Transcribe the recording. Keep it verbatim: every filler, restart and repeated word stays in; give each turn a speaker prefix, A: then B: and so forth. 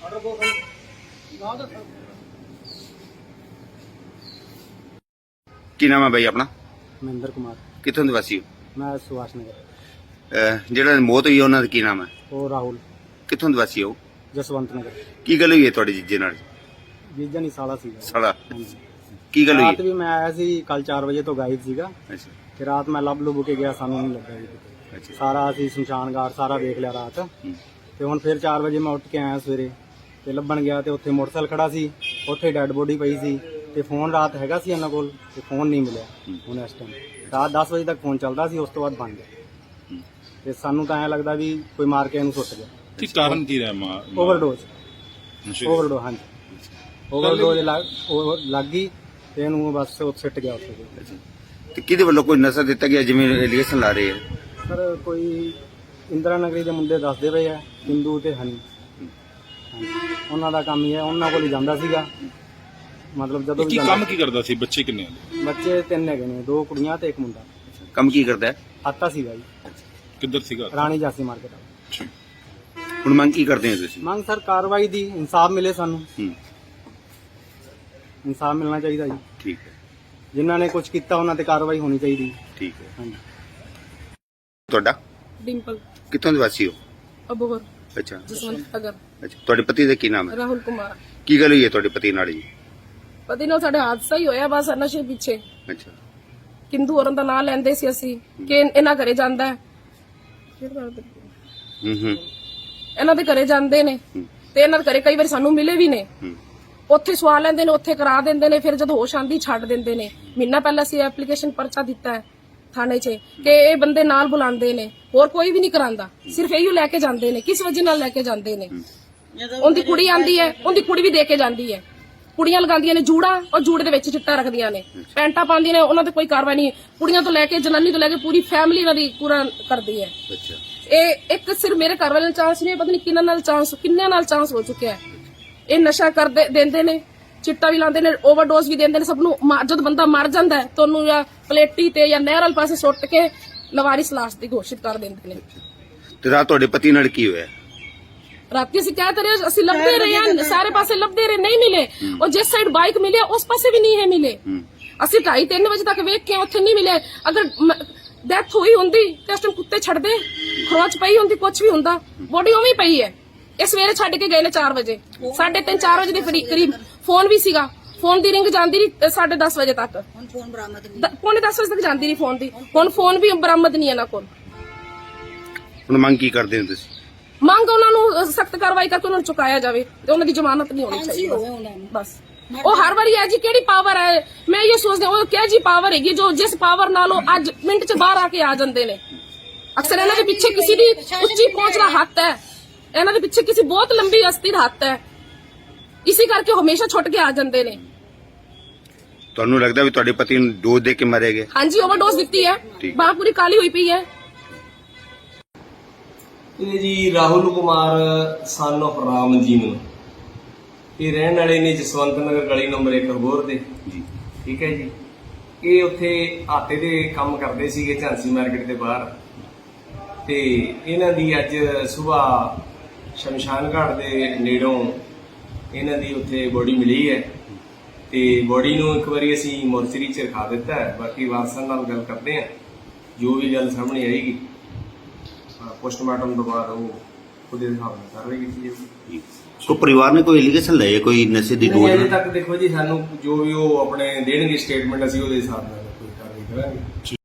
A: ਕੀ ਨਾਮ ਹੈ ਬਾਈ ਆਪਣਾ?
B: ਮਹਿੰਦਰ ਕੁਮਾਰ।
A: ਕਿੱਥੋਂ ਦੇ ਵਾਸੀ ਹੋ?
B: ਮੈਂ ਸੁਭਾਸ਼ ਨਗਰ।
A: ਅਹ ਜਿਹੜਾ ਮੌਤ ਹੋਈ ਉਹਨਾਂ ਦਾ ਕੀ ਨਾਮ ਹੈ?
B: ਉਹ ਰਾਹੁਲ।
A: ਕਿੱਥੋਂ ਦੇ ਵਾਸੀ ਹੋ?
B: ਜਸਵੰਤ ਨਗਰ।
A: ਕੀ ਗੱਲ ਹੋਈ ਹੈ ਤੁਹਾਡੇ ਜੀਜੇ ਨਾਲ?
B: ਜੀਜਾ ਨਹੀਂ ਸਾਲਾ ਸੀਗਾ।
A: ਸਾਲਾ ਕੀ ਗੱਲ ਹੋਈ?
B: ਰਾਤ ਵੀ ਮੈਂ ਆਇਆ ਸੀ, ਕੱਲ ਚਾਰ ਵਜੇ ਤੋਂ ਗਾਇਬ ਸੀਗਾ
A: ਅੱਛਾ
B: ਤੇ ਰਾਤ ਮੈਂ ਲੱਭ ਲੁੱਭ ਕੇ ਗਿਆ, ਸਾਨੂੰ ਨਹੀਂ ਲੱਗਾ ਜੀ ਕਿਤੇ।
A: ਅੱਛਾ
B: ਸਾਰਾ ਅਸੀਂ ਸ਼ਮਸ਼ਾਨ ਘਾਟ ਸਾਰਾ ਵੇਖ ਲਿਆ ਰਾਤ।
A: ਹੂੰ।
B: ਤੇ ਹੁਣ ਫਿਰ ਚਾਰ ਵਜੇ ਮੈਂ ਉੱਠ ਕੇ ਆਇਆ ਸਵੇਰੇ ਤੇ ਲੱਭਣ ਗਿਆ ਤੇ ਉੱਥੇ ਮੋਟਰਸਾਈਕਲ ਖੜਾ ਸੀ, ਉੱਥੇ ਡੈੱਡ ਬੋਡੀ ਪਈ ਸੀ ਤੇ ਫੋਨ ਰਾਤ ਹੈਗਾ ਸੀ ਇਹਨਾਂ ਕੋਲ ਤੇ ਫੋਨ ਨਹੀਂ ਮਿਲਿਆ। ਹੁਣ ਇਸ ਟਾਈਮ ਰਾਤ ਦਸ ਵਜੇ ਤੱਕ ਫੋਨ ਚੱਲਦਾ ਸੀ, ਉਸ ਤੋਂ ਬਾਅਦ ਬੰਦ ਗਿਆ। ਤੇ ਸਾਨੂੰ ਤਾਂ ਐਂ ਲੱਗਦਾ ਵੀ ਕੋਈ ਮਾਰ ਕੇ ਇਹਨੂੰ ਸੁੱਟ ਗਿਆ।
C: ਕੀ ਕਾਰਨ ਕੀ ਰਿਹਾ? ਮਾਂ
B: ਓਵਰਡੋਜ਼। ਓਵਰਡੋਜ਼, ਹਾਂਜੀ ਓਵਰਡੋਜ਼ ਲੱਗ ਗਈ ਤੇ ਇਹਨੂੰ ਬਸ ਉੱਥੇ ਸਿੱਟ ਗਿਆ ਉੱਥੇ।
A: ਤੇ ਕਿਹਦੇ ਵੱਲੋਂ ਕੋਈ ਨਸ਼ਾ ਦਿੱਤਾ ਗਿਆ ਜਿਵੇਂ ਐਲੀਗੇਸ਼ਨ ਲਾ ਰਹੇ ਆ?
B: ਸਰ ਕੋਈ ਇੰਦਰਾ ਨਗਰੀ ਦੇ ਮੁੰਡੇ ਦੱਸਦੇ ਪਏ ਆ, ਹਿੰਦੂ ਤੇ ਹਨੀ। ਹਾਂਜੀ, ਉਹਨਾਂ ਦਾ ਕੰਮ ਹੀ ਹੈ, ਉਹਨਾਂ ਕੋਲ ਹੀ ਜਾਂਦਾ ਸੀਗਾ। ਮਤਲਬ ਜਦੋਂ ਵੀ
C: ਕੀ ਕੰਮ ਕੀ ਕਰਦਾ ਸੀ? ਬੱਚੇ ਕਿੰਨੇ ਆ?
B: ਬੱਚੇ ਤਿੰਨ ਹੈਗੇ ਨੇ, ਦੋ ਕੁੜੀਆਂ ਤੇ ਇੱਕ ਮੁੰਡਾ।
A: ਕੰਮ ਕੀ ਕਰਦਾ ਹੈ?
B: ਆਤਾ ਸੀਗਾ ਜੀ,
C: ਕਿੱਧਰ ਸੀਗਾ?
B: ਰਾਣੀ ਜਾਸੀ ਮਾਰਕੀਟ।
A: ਹੁਣ ਮੰਗ ਕੀ ਕਰਦੇ ਹੋ ਤੁਸੀਂ?
B: ਮੰਗ ਸਰ ਕਾਰਵਾਈ ਦੀ, ਇਨਸਾਫ ਮਿਲੇ ਸਾਨੂੰ।
A: ਹੂੰ,
B: ਇਨਸਾਫ ਮਿਲਣਾ ਚਾਹੀਦਾ ਜੀ।
A: ਠੀਕ ਹੈ,
B: ਜਿਨ੍ਹਾਂ ਨੇ ਕੁਝ ਕੀਤਾ ਉਹਨਾਂ ਤੇ ਕਾਰਵਾਈ ਹੋਣੀ ਚਾਹੀਦੀ।
A: ਠੀਕ ਹੈ।
B: ਹਾਂਜੀ।
A: ਤੁਹਾਡਾ?
D: डिम्पल
A: ਕਿੱਥੋਂ ਦੇ ਵਾਸੀ ਹੋ?
D: अबोहर
A: ਅੱਛਾ
D: जसवंत नगर।
A: ਅੱਛਾ ਤੁਹਾਡੇ ਪਤੀ ਦਾ ਕੀ ਨਾਮ ਹੈ?
D: राहुल कुमार।
A: ਕੀ ਗੱਲ ਹੋਈ ਹੈ ਤੁਹਾਡੇ ਪਤੀ ਨਾਲ ਜੀ?
D: ਪਤੀ ਨਾਲ ਸਾਡੇ ਹਾਦਸਾ ਹੀ ਹੋਇਆ ਬਸ ਨਸ਼ੇ ਪਿੱਛੇ।
A: ਅੱਛਾ
D: ਕਿੰਦੂ ਔਰਨ ਦਾ ਨਾਂ ਲੈਂਦੇ ਸੀ ਅਸੀਂ ਕਿ ਇਹਨਾਂ ਘਰੇ ਜਾਂਦਾ ਹੈ।
A: ਹੂੰ ਹੂੰ
D: ਇਹਨਾਂ ਦੇ ਘਰੇ ਜਾਂਦੇ ਨੇ ਤੇ ਇਹਨਾਂ ਦੇ ਘਰੇ ਕਈ ਵਾਰੀ ਸਾਨੂੰ ਮਿਲੇ ਵੀ ਨੇ।
A: ਹੂੰ
D: ਉੱਥੇ ਸਵਾ ਲੈਂਦੇ ਨੇ, ਉੱਥੇ ਕਰਾ ਦਿੰਦੇ ਨੇ, ਫਿਰ ਜਦ ਹੋਸ਼ ਆਂਦੀ ਛੱਡ ਦਿੰਦੇ ਨੇ। ਮਹੀਨਾ ਪਹਿਲਾਂ ਅਸੀਂ ਐਪਲੀਕੇਸ਼ਨ ਪਰਚਾ ਦਿੱਤਾ ਹੈ ਥਾਣੇ 'ਚ ਕਿ ਇਹ ਬੰਦੇ ਨਾਲ ਬੁਲਾਉਂਦੇ ਨੇ, ਹੋਰ ਕੋਈ ਵੀ ਨਹੀਂ ਕਰਾਂਦਾ, ਸਿਰਫ ਇਹੀ ਲੈ ਕੇ ਜਾਂਦੇ ਨੇ। ਕਿਸ ਵਜ੍ਹਾ ਨਾਲ ਲੈ ਕੇ ਜਾਂਦੇ ਨੇ? ਉਹਦੀ ਕੁੜੀ ਆਂਦੀ ਹੈ, ਉਹਦੀ ਕੁੜੀ ਵੀ ਦੇ ਕੇ ਜਾਂਦੀ ਹੈ। ਕੁੜੀਆਂ ਲਗਾਉਂਦੀਆਂ ਨੇ ਜੂੜਾ, ਔਰ ਜੂੜੇ ਦੇ ਵਿੱਚ ਚਿੱਟਾ ਰੱਖਦੀਆਂ ਨੇ, ਪੈਂਟਾਂ ਪਾਉਂਦੀਆਂ ਨੇ, ਉਹਨਾਂ ਤੇ ਕੋਈ ਕਾਰਵਾਈ ਨਹੀਂ। ਕੁੜੀਆਂ ਤੋਂ ਲੈ ਕੇ ਜਨਾਨੀ ਤੋਂ ਲੈ ਕੇ ਪੂਰੀ ਫੈਮਿਲੀ ਇਹਨਾਂ ਦੀ ਪੂਰਾ ਕਰਦੀ ਹੈ।
A: ਅੱਛਾ
D: ਇਹ ਇੱਕ ਸਿਰਫ ਮੇਰੇ ਘਰ ਵਾਲੇ ਨਾਲ ਚਾਂਸ ਨਹੀਂ, ਪਤਾ ਨਹੀਂ ਕਿੰਨਾਂ ਨਾਲ ਚਾਂਸ, ਕਿੰਨਿਆਂ ਨਾਲ ਚਾਂਸ ਹੋ ਚੁੱਕਿਆ ਹੈ। ਇਹ ਨਸ਼ਾ ਕਰਦੇ ਦਿੰਦੇ ਨੇ, ਚਿੱਟਾ ਵੀ ਲਾਉਂਦੇ ਨੇ, ਓਵਰਡੋਜ਼ ਵੀ ਦਿੰਦੇ ਨੇ ਸਭ ਨੂੰ। ਜਦ ਬੰਦਾ ਮਰ ਜਾਂਦਾ ਹੈ ਤਾਂ ਉਹਨੂੰ ਜਾਂ ਪਲੇਟੀ ਤੇ ਜਾਂ ਨਹਿਰ ਵਾਲੇ ਪਾਸੇ ਸੁੱਟ ਕੇ ਲਵਾਰਿਸ ਲਾਸ਼ ਦੀ ਘੋਸ਼ਿਤ ਕਰ ਦਿੰਦੇ ਨੇ।
A: ਤੇ ਰਾਤ ਤੁਹਾਡੇ ਪਤੀ ਨਾਲ ਕੀ ਹੋਇਆ?
D: ਰਾਤੀ ਅਸੀਂ ਕਹਿ ਰਹੇ, ਅਸੀਂ ਲੱਭਦੇ ਰਹੇ ਹਾਂ, ਸਾਰੇ ਪਾਸੇ ਲੱਭਦੇ ਰਹੇ, ਨਹੀਂ ਮਿਲੇ। ਉਹ ਜਿਸ ਸਾਈਡ ਬਾਈਕ ਮਿਲੇ ਉਸ ਪਾਸੇ ਵੀ ਨਹੀਂ ਹੈ ਮਿਲੇ। ਅਸੀਂ ਢਾਈ ਤਿੰਨ ਵਜੇ ਤੱਕ ਵੇਖ ਕੇ ਉੱਥੇ ਨਹੀਂ ਮਿਲੇ। ਅਗਰ ਡੈਥ ਹੋਈ ਹੁੰਦੀ ਤੇ ਉਸ ਟਾਈਮ ਕੁੱਤੇ ਛੱਡਦੇ, ਖਰੋਚ ਪਈ ਹੁੰਦੀ, ਕੁਝ ਵੀ ਹੁੰਦਾ। ਬੋਡੀ ਉਵੇਂ ਹੀ ਪਈ ਹੈ। ਇਹ ਸਵੇਰੇ ਛੱਡ ਕੇ ਗਏ ਨੇ ਚਾਰ ਵਜੇ, ਸਾਢੇ ਤਿੰਨ ਚਾਰ ਵਜੇ ਦੇ ਕਰੀਬ। ਫੋਨ ਵੀ ਸੀਗਾ, ਫੋਨ ਦੀ ਰਿੰਗ ਜਾਂਦੀ ਰਹੀ ਸਾਢੇ ਦਸ ਵਜੇ ਤੱਕ, ਪੌਣੇ ਦਸ ਵਜੇ ਤੱਕ ਜਾਂਦੀ ਰਹੀ ਫੋਨ ਦੀ। ਹੁਣ ਫੋਨ ਵੀ ਬਰਾਮਦ ਨਹੀਂ ਇਹਨਾਂ ਕੋਲ।
A: ਹੁਣ ਮੰਗ ਕੀ ਕਰਦੇ ਹੋ ਤੁਸੀਂ?
D: ਮੰਗ ਉਹਨਾਂ ਨੂੰ ਸਖਤ ਕਾਰਵਾਈ ਕਰਕੇ ਉਹਨਾਂ ਨੂੰ ਚੁਕਾਇਆ ਜਾਵੇ ਤੇ ਉਹਨਾਂ ਦੀ ਜ਼ਮਾਨਤ ਨਹੀਂ ਹੋਣੀ ਚਾਹੀਦੀ ਬਸ। ਉਹ ਹਰ ਵਾਰੀ ਹੈ ਜੀ, ਕਿਹੜੀ ਪਾਵਰ ਹੈ? ਮੈਂ ਇਹ ਸੋਚਦੀ ਉਹ ਕਿਹੜੀ ਜੀ ਪਾਵਰ ਹੈਗੀ ਜੋ ਜਿਸ ਪਾਵਰ ਨਾਲ ਉਹ ਅੱਜ ਮਿੰਟ ਚ ਬਾਹਰ ਆ ਕੇ ਆ ਜਾਂਦੇ ਨੇ। ਅਕਸਰ ਇਹਨਾਂ ਦੇ ਪਿੱਛੇ ਕਿਸੇ ਦੀ ਉੱਚੀ ਪਹੁੰਚ ਦਾ ਹੱਥ ਹੈ, ਇਹਨਾਂ ਦੇ ਪਿੱਛੇ ਕਿਸੇ ਬਹੁਤ ਲੰਬੀ ਹਸਤੀ ਦਾ ਹੱਥ ਹੈ, ਇਸੇ ਕਰਕੇ ਹਮੇਸ਼ਾ ਛੁੱਟ ਕੇ ਆ ਜਾਂਦੇ ਨੇ।
A: ਤੁਹਾਨੂੰ ਲੱਗਦਾ ਵੀ ਤੁਹਾਡੇ ਪਤੀ ਨੂੰ ਡੋਜ਼ ਦੇ ਕੇ ਮਾਰੇ ਗਏ?
D: ਹਾਂਜੀ, ਓਵਰਡੋਜ਼ ਦਿੱਤੀ ਹੈ, ਬਾਹ ਪੂਰੀ ਕਾਲੀ ਹੋਈ ਪਈ ਹੈ।
E: ਇਹ ਜੀ ਰਾਹੁਲ ਕੁਮਾਰ ਸਨ ਆਫ ਰਾਮ ਜੀਵਨ, ਇਹ ਰਹਿਣ ਵਾਲੇ ਨੇ ਜਸਵੰਤ ਨਗਰ ਗਲੀ ਨੰਬਰ ਇੱਕ ਅਬੋਹਰ ਦੇ ਜੀ। ਠੀਕ ਹੈ ਜੀ। ਇਹ ਉੱਥੇ ਆਟੇ ਦੇ ਕੰਮ ਕਰਦੇ ਸੀਗੇ ਝਾਂਸੀ ਮਾਰਕੀਟ ਦੇ ਬਾਹਰ, ਤੇ ਇਹਨਾਂ ਦੀ ਅੱਜ ਸਵੇਰ ਸ਼ਮਸ਼ਾਨ ਘਾਟ ਦੇ ਨੇੜੋਂ ਇਹਨਾਂ ਦੀ ਉੱਥੇ ਬੋਡੀ ਮਿਲੀ ਹੈ ਤੇ ਬੋਡੀ ਨੂੰ ਇੱਕ ਵਾਰੀ ਅਸੀਂ ਮੋਰਚਰੀ 'ਚ ਰਖਾ ਦਿੱਤਾ ਹੈ। ਬਾਕੀ ਵਾਰਸਾਂ ਨਾਲ ਗੱਲ ਕਰਦੇ ਹਾਂ, ਜੋ ਵੀ ਗੱਲ ਸਾਹਮਣੇ ਆਏਗੀ ਪੋਸਟਮਾਰਟਮ ਤੋਂ ਬਾਅਦ ਉਹ ਉਹਦੇ ਹਿਸਾਬ ਨਾਲ ਕਾਰਵਾਈ ਕੀਤੀ ਜਾਊਗੀ।
A: ਕੋਈ ਪਰਿਵਾਰ ਨੇ ਕੋਈ ਐਲੀਗੇਸ਼ਨ ਲਾਇਆ ਕੋਈ ਨਸ਼ੇ ਦੀ ਡੋਜ਼?
E: ਅਜੇ ਤੱਕ ਦੇਖੋ ਜੀ, ਸਾਨੂੰ ਜੋ ਵੀ ਉਹ ਆਪਣੇ ਦੇਣਗੇ ਸਟੇਟਮੈਂਟ, ਅਸੀਂ ਉਹਦੇ ਹਿਸਾਬ ਨਾਲ ਕੋਈ ਕਾਰਵਾਈ ਕਰਾਂਗੇ।